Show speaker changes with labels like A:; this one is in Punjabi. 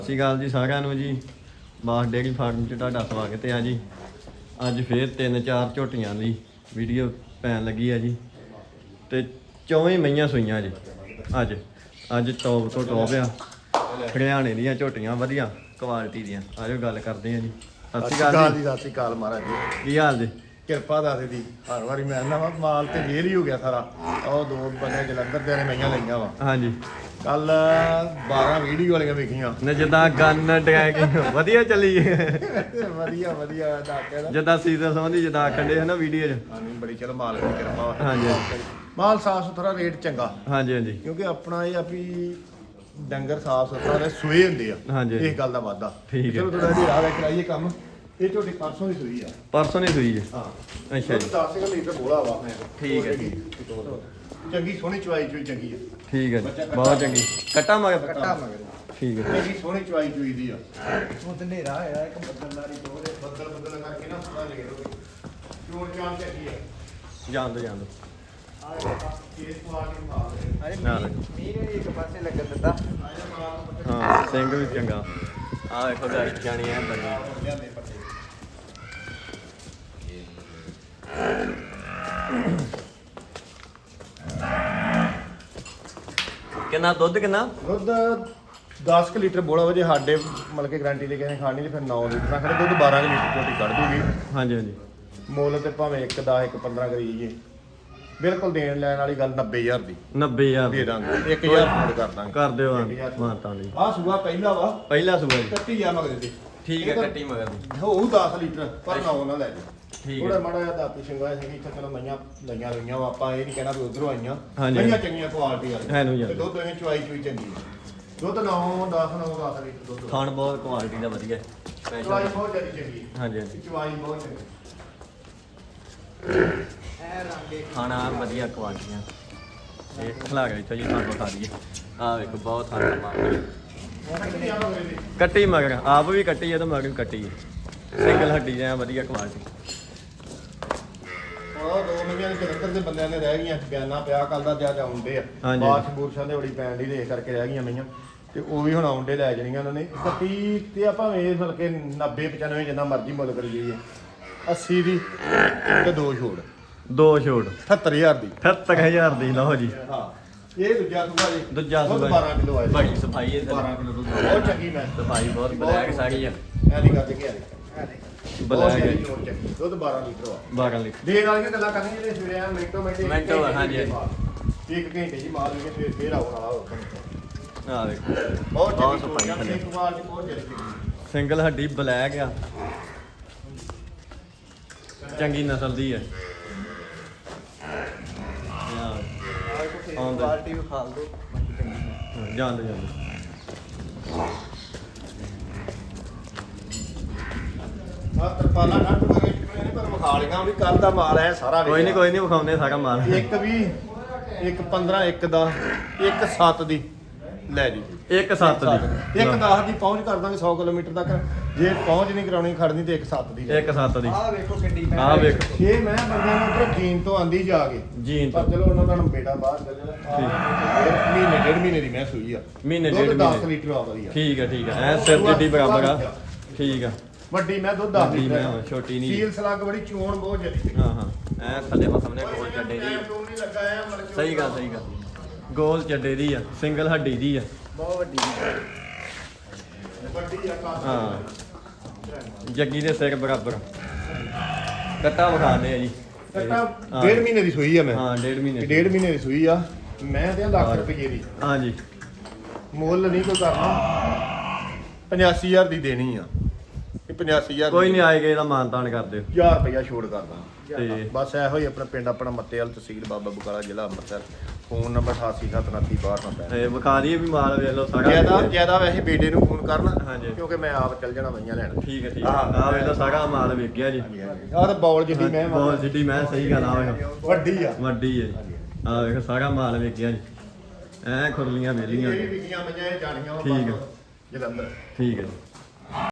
A: ਸਤਿ ਸ਼੍ਰੀ ਅਕਾਲ ਜੀ ਸਾਰਿਆਂ ਨੂੰ ਜੀ। ਬਾਸ ਡੇਅਰੀ ਫਾਰਮ 'ਚ ਤੁਹਾਡਾ ਸਵਾਗਤ ਹੈ ਜੀ। ਅੱਜ ਫੇਰ 3-4 ਝੋਟੀਆਂ ਦੀ ਵੀਡੀਓ ਪੈਣ ਲੱਗੀ ਹੈ ਜੀ ਤੇ 24 ਮਈਆਂ ਸੂਈਆਂ ਜੀ। ਅੱਜ ਟੌਪ ਤੋਂ ਟੌਪ ਆ, ਹਰਿਆਣੇ ਦੀਆਂ ਝੋਟੀਆਂ ਵਧੀਆ ਕੁਆਲਿਟੀ ਦੀਆਂ। ਆਜੋ ਗੱਲ ਕਰਦੇ ਆ ਜੀ। ਸਤਿ ਸ਼੍ਰੀ ਅਕਾਲ ਜੀ।
B: ਸਤਿ ਸ਼੍ਰੀ ਅਕਾਲ ਮਹਾਰਾਜ ਜੀ।
A: ਕੀ ਹਾਲ ਜੀ?
B: ਕਿਰਪਾ ਦੱਸ ਦੀ। ਹਰ ਵਾਰੀ ਮੈਂ ਨਾ ਮਾਲ ਤੇ ਫੇਰ ਹੀ ਹੋ ਗਿਆ ਸਾਰਾ। ਉਹ ਦੋ ਬੰਦੇ ਜਲੰਧਰ ਦੇ ਨੇ ਮਈਆਂ ਲਈਆਂ ਵਾ।
A: ਹਾਂਜੀ,
B: ਕੱਲ 12 ਵੀਡੀਓ ਵਾਲੀਆਂ ਵੇਖੀਆਂ
A: ਨੇ ਜਿੱਦਾਂ ਗਨ ਡਰੈਗਿੰਗ ਵਧੀਆ ਚੱਲੀ
B: ਵਧੀਆ ਵਧੀਆ ਦੱਸਿਆ ਨਾ।
A: ਜਿੱਦਾਂ ਸੀਜ਼ਨ ਸੰਬੰਧੀ ਜਿੱਦਾਂ ਆਖਣ ਦੇ ਹਨਾ ਵੀਡੀਓ 'ਚ।
B: ਹਾਂਜੀ ਬੜੀ ਚਲੋ ਮਾਲਕ ਦੀ ਕਿਰਪਾ ਵਾ।
A: ਹਾਂਜੀ
B: ਮਾਲ ਸਾਫ ਸੁਥਰਾ, ਰੇਟ ਚੰਗਾ।
A: ਹਾਂਜੀ ਹਾਂਜੀ
B: ਕਿਉਂਕਿ ਆਪਣਾ ਇਹ ਆ ਵੀ ਡੰਗਰ ਸਾਫ ਸੁਥਰਾ ਤੇ ਸੂਏ ਹੁੰਦੇ ਆ।
A: ਹਾਂਜੀ।
B: ਇਸ ਗੱਲ ਦਾ ਵਾਦਾ।
A: ਠੀਕ ਹੈ।
B: ਚਲੋ ਥੋੜਾ ਜਿਹਾ ਰਾਹ ਕਰਾਈਏ ਕੰਮ। ਇਹ ਝੋਟੀ ਪਰਸੋਂ ਦੀ ਸੂਈ ਆ।
A: ਪਰਸੋਂ ਨਹੀਂ ਸੂਈ ਜੀ?
B: ਹਾਂ
A: ਅੱਛਾ ਜੀ,
B: 10 ਲੀਟਰ ਬੋਲਾ ਵਾ।
A: ਠੀਕ ਹੈ ਜੀ।
B: ਚੰਗੀ ਸੋਹਣੀ ਚਵਾਈ ਚੋਈ ਚੰਗੀ ਆ।
A: ਠੀਕ ਹੈ ਜੀ, ਬਹੁਤ ਚੰਗੀ। ਕੱਟਾ ਮਗਰ?
B: ਕੱਟਾ ਮਗਰ।
A: ਠੀਕ ਹੈ।
B: ਚੰਗੀ ਸੋਹਣੀ ਚਵਾਈ ਚੋਈ ਦੀ ਆ। ਉਹ ਤੇ ਹਨੇਰਾ ਹੋਇਆ ਇੱਕ ਬੱਦਲਦਾਰੀ ਦੋਰੇ ਬੱਦਲ ਕਰਕੇ ਨਾ ਪਤਾ ਲੱਗੇ ਲੋਗੇ ਚੋਣ ਚਾਣ ਚੰਗੀ ਆ।
A: ਜਾਣ ਦੋ
B: ਆ ਇਸ ਕੁਆਲਿਟੀ ਮਾਲ
A: ਨਾ
C: ਮੀਂਹ ਨੇ ਇੱਕ ਪਾਸੇ ਲੱਗਣ ਦਿੱਤਾ।
A: ਹਾਂ, ਸਿੰਘ ਵੀ ਚੰਗਾ। ਆਹ ਵੇਖੋ ਡਾਈ ਜਾਣੀ ਐ ਬਣੀ।
B: ਲਿਆਂਦੇ ਪੱਤੇ
A: ਕਿੰਨਾ ਦੁੱਧ ਕਿੰਨਾ?
B: ਦੁੱਧ 10 ਲੀਟਰ ਬੋਲਾ ਵਜੇ ਸਾਡੇ ਮਤਲਬ ਕਿ ਗਾਰੰਟੀ ਦੇ ਕਿਸੇ ਖਾਣੀ ਤੇ ਫਿਰ 9 ਲੀਟਰ ਨਾਲ ਖੜੇ ਦੁੱਧ 12 ਲੀਟਰ ਝੋਟੀ ਕੱਢ ਦੂਗੀ।
A: ਹਾਂਜੀ ਹਾਂਜੀ,
B: ਮੁੱਲ ਤੇ ਭਾਵੇਂ 1 10 1 15 ਕਰੀਏ। ਬਿਲਕੁਲ ਦੇਣ ਲੈਣ ਵਾਲੀ ਗੱਲ 90000 ਦੀ
A: 90000
B: ਦੇ ਦਾਂਗੇ। 1000 ਫੋਨ ਕਰ ਦਾਂਗੇ।
A: ਕਰ ਦਿਓ ਮਾਨਤਾਂ ਦੀ।
B: ਆਹ ਸੂਆ ਪਹਿਲਾ ਵਾ।
A: ਪਹਿਲਾ ਸੂਆ ਜੀ?
B: ਕੱਟੀ ਆ ਮਗਰ ਦੀ।
A: ਠੀਕ ਹੈ, ਕੱਟੀ ਮਗਰ ਦੀ।
B: ਹੋਊ 10 ਲੀਟਰ ਪਰ ਨਾ ਉਹਨਾਂ ਲੈ ਜਾ।
A: ਠੀਕ
B: ਥੋੜਾ
A: ਹੈ।
B: ਮਾੜਾ ਜਿਹਾ ਦਾਤੀ ਸ਼ਿੰਗਾਇਆ ਸੀ ਇੱਥੇ ਚਲੋ ਮਈਆਂ ਲਈਆਂ ਰਹੀਆਂ ਵਾ। ਆਪਾਂ ਇਹ ਨਹੀਂ ਕਹਿਣਾ ਵੀ ਉਧਰੋਂ ਆਈਆਂ।
A: ਹਾਂਜੀ।
B: ਮਈਆਂ ਚੰਗੀਆਂ ਕੁਆਲਿਟੀ ਵਾਲੀਆਂ।
A: ਹੈ ਨੂੰ ਜੀ।
B: ਤੇ ਦੁੱਧ ਇਹ ਚੁਆਈ ਚੁਈ ਚੰਗੀ ਹੈ। ਦੁੱਧ 9 10 ਲੀਟਰ ਦੁੱਧ।
A: ਖਾਣ ਬਹੁਤ ਕੁਆਲਿਟੀ ਦਾ ਵਧੀਆ ਹੈ।
B: ਚੁਆਈ ਬਹੁਤ ਜ਼ਿਆਦਾ ਚੰਗੀ ਹੈ।
A: ਹਾਂਜੀ ਹਾਂਜੀ,
B: ਚੁਆਈ ਬਹੁਤ ਚੰਗੀ।
C: ਐ ਰੰਗੇ
A: ਖਾਣਾ ਵਧੀਆ ਕੁਆਲਿਟੀਆਂ। ਇਹ ਖਲਾ ਗਿਆ ਇੱਥੇ ਜੀ, ਤੁਹਾਨੂੰ ਖਾ ਦਈਏ। ਆਹ ਵੇਖੋ ਬਹੁਤ ਖਾਣਾ ਮਾਰ ਕੱਟੀ ਮਗਰ। ਆਪ ਵੀ ਕੱਟੀ ਹੈ ਤੇ ਮਗਰ ਵੀ ਕੱਟੀ ਹੈ। ਸਿੰਗਲ ਹੱਡੀ ਜਾਂ ਵਧੀਆ ਕੁਆਲਿਟੀ।
B: ਉਹ ਦੋ ਮਹੀਨਿਆਂ ਦੇ ਜਲੰਧਰ ਦੇ ਬੰਦਿਆਂ ਨੇ ਰਹਿ ਗਈਆਂ ਬਿਆਨਾ ਪਿਆ ਕੱਲ ਦਾ ਜਿਆਦਾ ਆਉਂਦੇ ਆ।
A: ਹਾਂਜੀ।
B: ਬਾਰਿਸ਼ ਬੂਰਸ਼ਾਂ ਦੇ ਬੜੀ ਪੈਣ ਦੀ ਦੇਖ ਕਰਕੇ ਰਹਿ ਗਈਆਂ ਮਈਆਂ ਤੇ ਉਹ ਵੀ ਹੁਣ ਆਉਂਦੇ ਲੈ ਜਾਣੀਆਂ ਉਹਨਾਂ ਨੇ। 31 ਤੇ ਆਪਾਂ ਵੇਖ ਮਤਲਬ ਕਿ 90 95 ਜਿੰਨਾ ਮਰਜ਼ੀ ਮੁੱਲ ਕਰੀ ਜਾਈਏ। 80 ਦੀ ਤੇ ਦੋ ਛੋੜ।
A: ਦੋ ਛੋੜ
B: 78000 ਦੀ।
A: 78000 ਦੀ ਲਓ ਜੀ।
B: ਹਾਂ ਇਹ ਦੂਜਾ ਸੂਆ ਜੀ।
A: ਦੂਜਾ
B: ਦੁੱਧ
A: ਸੂਆ
B: 12 ਕਿਲੋ ਆਇਆ।
A: ਬੜੀ ਸਫਾਈ ਹੈ।
B: 12 ਕਿਲੋ ਦੁੱਧ ਬਹੁਤ ਚੰਗੀ ਮੈਂ
A: ਸਫਾਈ ਬਹੁਤ ਬਲੈਕ ਸਾਰੀ ਆ।
B: ਐ ਨਹੀਂ ਕਰਦੇ ਕਿ
A: ਬਲੈਕ ਹੈ।
B: ਦੁੱਧ 12 ਲੀਟਰ ਆ।
A: 12 ਲੀਟਰ।
B: ਦੇਣ ਵਾਲੀਆਂ ਗੱਲਾਂ ਕਰਨੀਆਂ ਜਿਹੜੇ ਸਵੇਰੇ ਆ ਮਿੰਟੋ
A: ਮਿੰਟੋ, ਹਾਂਜੀ,
B: ਇੱਕ ਘੰਟੇ ਜੀ ਮਾਲ ਵੀ ਸਵੇਰ ਫੇਰ ਆਉਣ ਵਾਲਾ ਹੋ।
A: ਆਹ ਵੇਖੋ
B: ਬਹੁਤ
A: ਬਹੁਤ
B: ਚੰਗੀ
A: ਸਫਾਈ
B: ਸੋਚ
A: ਥੱਲੇ।
B: ਇੱਕ ਵਾਰ ਚ ਬਹੁਤ ਚੰਗੀ।
A: ਸਿੰਗਲ ਹੱਡੀ ਬਲੈਕ ਆ, ਚੰਗੀ ਨਸਲ ਦੀ ਹੈ। ਆਉਂਦਾ
C: ਕੁਆਲਿਟੀ ਵੀ ਖਾਲ ਦੋ ਬਾਕੀ ਚੰਗੀ।
A: ਜਾਂਦੇ
B: ਆ ਤਰਪਾਲਾ ਕੱਟ ਕੇ ਪਰ ਵਿਖਾ ਲਿਆ ਵੀ ਕੱਲ ਦਾ ਮਾਲ ਹੈ ਸਾਰਾ।
A: ਕੋਈ ਨਹੀਂ ਵਿਖਾਉਂਦੇ ਸਾਰਾ ਮਾਲ।
B: ਇੱਕ ਵੀ ਇੱਕ 15 ਇੱਕ 10 ਇੱਕ 7 ਦੀ ਲੈ ਜੀ।
A: 1-7 ਦੀ।
B: ਇੱਕ 10 ਦੀ ਪਹੁੰਚ ਕਰ ਦਾਂਗੇ 100 ਕਿਲੋਮੀਟਰ ਤੱਕ। ਜੇ ਪਹੁੰਚ ਨਹੀਂ ਕਰਾਉਣੀ ਖੜਨੀ ਤੇ ਇੱਕ 7 ਦੀ।
A: 1-7 ਦੀ।
C: ਆਹ ਵੇਖੋ ਕਿੱਡੀ
A: ਆਹ ਵੇਖ
B: ਛੇ ਮੈਂ ਬੰਦਿਆਂ ਨੂੰ ਉੱਧਰੋਂ ਜੀਨ ਤੋਂ ਆਂਦੀ ਜਾ ਕੇ।
A: ਜੀਨ
B: ਪਰ
A: ਤੋਂ
B: ਚਲੋ ਉਹਨਾਂ ਦਾ ਬੇਟਾ ਬਾਹਰ ਚੱਲ ਮਹੀਨੇ ਡੇਢ ਮਹੀਨੇ ਦੀ ਮੈਂ ਸੂਈ ਆ।
A: ਮਹੀਨੇ
B: ਦੁੱਧ
A: ਡੇਢ
B: 10
A: ਮਹੀਨੇ।
B: ਲੀਟਰ ਆ ਵਧੀਆ।
A: ਠੀਕ ਹੈ ਐ ਸਿਰ ਜਿੱਡੀ ਬਰਾਬਰ ਆ। ਠੀਕ ਆ।
B: ਵੱਡੀ ਮੈਂ ਦੁੱਧ 10
A: ਵੱਡੀ
B: ਲੀਟਰ
A: ਮੈਂ
B: ਆ।
A: ਹਾਂ, ਛੋਟੀ ਨਹੀਂ।
B: ਸੀਲ ਸਲੱਗ ਬੜੀ ਚੋਣ ਬਹੁਤ ਜਦੀ।
A: ਹਾਂ ਐ ਥੱਲੇ ਮਾ ਸਾਹਮਣੇ ਗੋਲ ਚੱਡੇ ਦੀ।
B: ਨਹੀਂ ਲੱਗਾ ਆ ਮਤਲਬ
A: ਸਹੀ ਗੱਲ। ਗੋਲ ਚੱਡੇ ਦੀ ਆ, ਸਿੰਗਲ ਹੱਡੀ ਦੀ ਆ।
C: ਬਹੁਤ ਵੱਡੀ
B: ਵੱਡੀ ਆ ਕਾਫੀ।
A: ਹਾਂ ਜੱਗੀ ਦੇ ਸਿਰ ਬਰਾਬਰ। ਕੱਟਾ ਵਿਖਾਣੇ ਆ ਜੀ।
B: ਕੱਟਾ ਡੇਢ ਮਹੀਨੇ ਦੀ ਸੂਈ ਆ ਮੈਂ।
A: ਹਾਂ 1.5 ਮਹੀਨੇ।
B: ਡੇਢ ਮਹੀਨੇ ਦੀ ਸੂਈ ਆ। ਮੈਂ ਤੇ ਲੱਖ ਰੁਪਏ ਦੀ।
A: ਹਾਂਜੀ
B: ਮੁੱਲ ਨਹੀਂ ਕੋਈ ਕਰਨਾ। 85000 ਦੀ ਦੇਣੀ ਆ। ਇਹ 85000
A: ਕੋਈ ਨਹੀਂ ਆਏਗਾ ਇਹਦਾ ਮਾਨਤਾਨ ਕਰ ਦਿਓ।
B: 1000 ਰੁਪਇਆ ਛੋੜ ਕਰਦਾ।
A: ਤੇ
B: ਬਸ ਇਹੋ ਹੀ ਆਪਣਾ ਪਿੰਡ ਆਪਣਾ ਮੱਤੇਵਾਲ ਤਹਿਸੀਲ ਬਾਬਾ ਬਕਾਲਾ ਜ਼ਿਲ੍ਹਾ ਅੰਮ੍ਰਿਤਸਰ। Phone number 8879326295।
A: ਇਹ ਵਿਖਾ ਦਈਏ ਵੀ ਮਾਲ ਵੇਖ ਲਓ ਸਾਰਾ।
B: ਜਿਆਦਾ ਵੈਸੇ ਬੇਟੇ ਨੂੰ ਫੋਨ ਕਰਨਾ
A: ਹਾਂਜੀ।
B: ਕਿਉਂਕਿ ਮੈਂ ਆਪ ਚੱਲ ਜਾਣਾ ਮਈਆਂ ਲੈਣ।
A: ਠੀਕ ਹੈ ਆਹ ਵੇਖ ਲਓ ਸਾਰਾ ਮਾਲ ਵੇਖ ਗਿਆ ਜੀ।
B: ਆਹ ਤਾਂ ਬੌਲ ਜਿੱਡੀ ਮੈਂ
A: ਬਹੁਤ ਜਿੱਡੀ ਮੈਂ ਸਹੀ ਗੱਲ ਆ ਵੇਖੋ
B: ਵੱਡੀ ਆ।
A: ਵੱਡੀ ਹੈ ਜੀ। ਆਹ ਵੇਖ ਸਾਰਾ ਮਾਲ ਵੇਖ ਗਿਆ ਜੀ। ਐ ਖੁਰਲੀਆਂ ਵੇਲੀਆਂ।
B: ਇਹ ਵਿਕੀਆਂ ਮਈਆਂ ਇਹ ਜਾਣੀਆਂ ਵਾ
A: ਠੀਕ ਆ।
B: ਜਲੰਧਰ।
A: ਠੀਕ ਹੈ ਜੀ।